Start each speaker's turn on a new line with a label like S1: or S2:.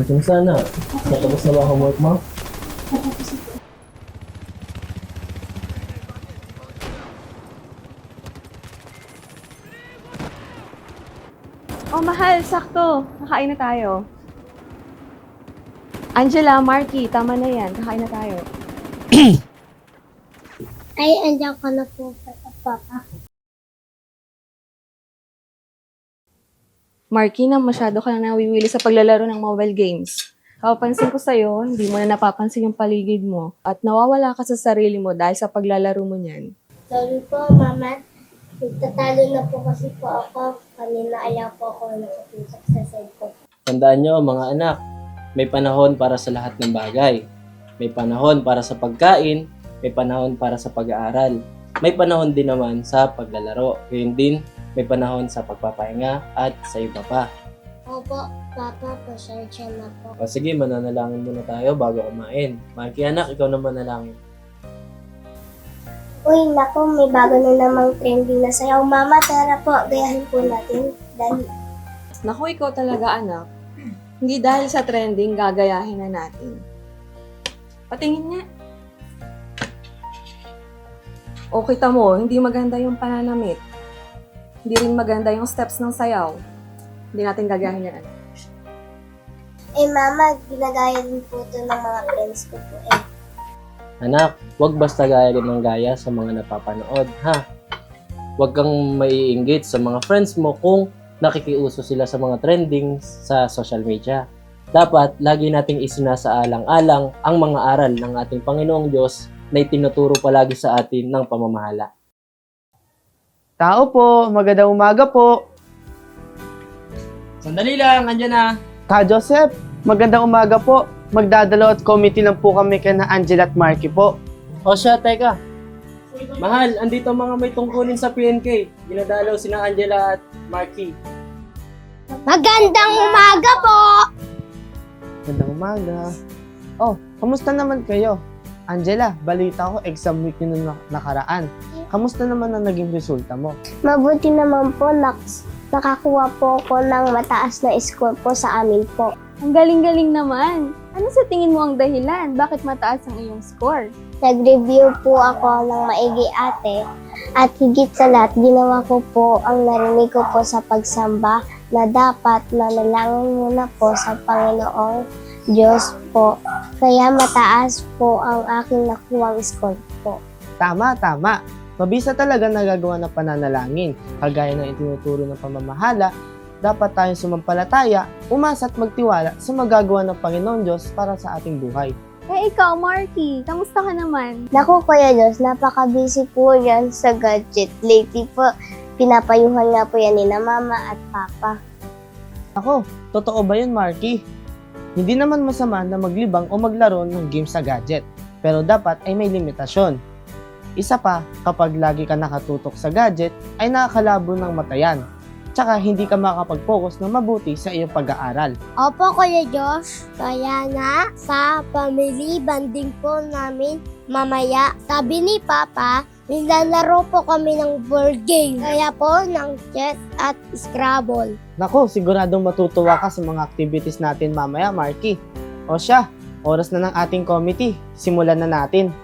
S1: Kumusta na? Natapos na ba ang homework mo?
S2: Oh, mahal, sakto. Kakain na tayo. Angela, Marky, tama na yan. Kakain na tayo.
S3: Ay, andiyan ka na po, Papa.
S2: Marky, na masyado ka na nawiwili sa paglalaro ng mobile games. Kapapansin ko sa'yo, hindi mo na napapansin yung paligid mo at nawawala ka sa sarili mo dahil sa paglalaro mo niyan.
S3: Sorry po, Mama. Nagtatalo na po kasi po ako. Kanina ayaw po ako nakatusok sa cellphone.
S1: Tandaan nyo mga anak, may panahon para sa lahat ng bagay. May panahon para sa pagkain, may panahon para sa pag-aaral. May panahon din naman sa paglalaro. Gayun din, may panahon sa pagpapahinga at sa iba pa.
S3: Opo, Papa, pasensya na po.
S1: O sige, mananalangin muna tayo bago kumain. Marky anak, ikaw naman manalangin.
S3: Uy, naku, may bago na namang trending na sayaw. Mama, tara po, gayahin po natin. Dahil
S2: Naku, ikaw talaga, anak. Hindi dahil sa trending, gagayahin na natin. Patingin nga. O kita mo, hindi maganda yung pananamit. Hindi rin maganda yung steps ng sayaw. Hindi natin gagayahin yan, anak.
S3: Mama, ginagaya din po ito ng mga friends ko po
S1: Anak, huwag basta gaya din ng gaya sa mga napapanood, ha? Huwag kang maiinggit sa mga friends mo kung nakikiuso sila sa mga trending sa social media. Dapat, lagi nating isinasaalang-alang ang mga aral ng ating Panginoong Diyos na itinuturo palagi sa atin ng pamamahala.
S4: Tao po, magandang umaga po.
S1: Sandali lang, andyan na.
S4: Ka Joseph, magandang umaga po. Magdadalo at committee lang po kami kay na Angela at Marky po.
S1: O siya, teka. Mahal, andito mga may tungkulin sa PNK. Ginadalaw sina Angela at Marky.
S3: Magandang umaga po!
S4: Magandang umaga. Oh, kamusta naman kayo? Angela, balita ko exam week nyo nung nakaraan. Kamusta naman ang naging resulta mo?
S3: Mabuti naman po, nakakuha po ako ng mataas na score po sa amin po.
S2: Ang galing-galing naman. Ano sa tingin mo ang dahilan? Bakit mataas ang iyong score?
S3: Nag-review po ako ng maigi ate at higit sa lahat, ginawa ko po ang narinig ko po sa pagsamba na dapat manalangin muna po sa Panginoong Diyos po. Kaya mataas po ang aking nakuwang score po.
S4: Tama, tama. Mabisa talaga nagagawa ng pananalangin. Kagaya ng itinuturo ng pamamahala, dapat tayong sumampalataya, umasa at magtiwala sa magagawa ng Panginoon Diyos para sa ating buhay.
S2: Ikaw, Marky, kamusta ka naman?
S3: Naku, Kuya Diyos, napaka-busy po yan sa gadget. Lately po, pinapayuhan nga po yan ni na Mama at Papa.
S4: Ako, totoo ba yun, Marky? Hindi naman masama na maglibang o maglaro ng game sa gadget, pero dapat ay may limitasyon. Isa pa, kapag lagi ka nakatutok sa gadget, ay nakakalabo ng mata yan. Tsaka hindi ka makapag-focus na mabuti sa iyong pag-aaral.
S3: Opo, Kuya Diyos. Kaya nga, sa family banding po namin mamaya, sabi ni Papa, nilalaro po kami ng board game. Kaya po, ng chess at Scrabble.
S4: Nako, siguradong matutuwa ka sa mga activities natin mamaya, Marky. O siya, oras na ng ating committee. Simulan na natin.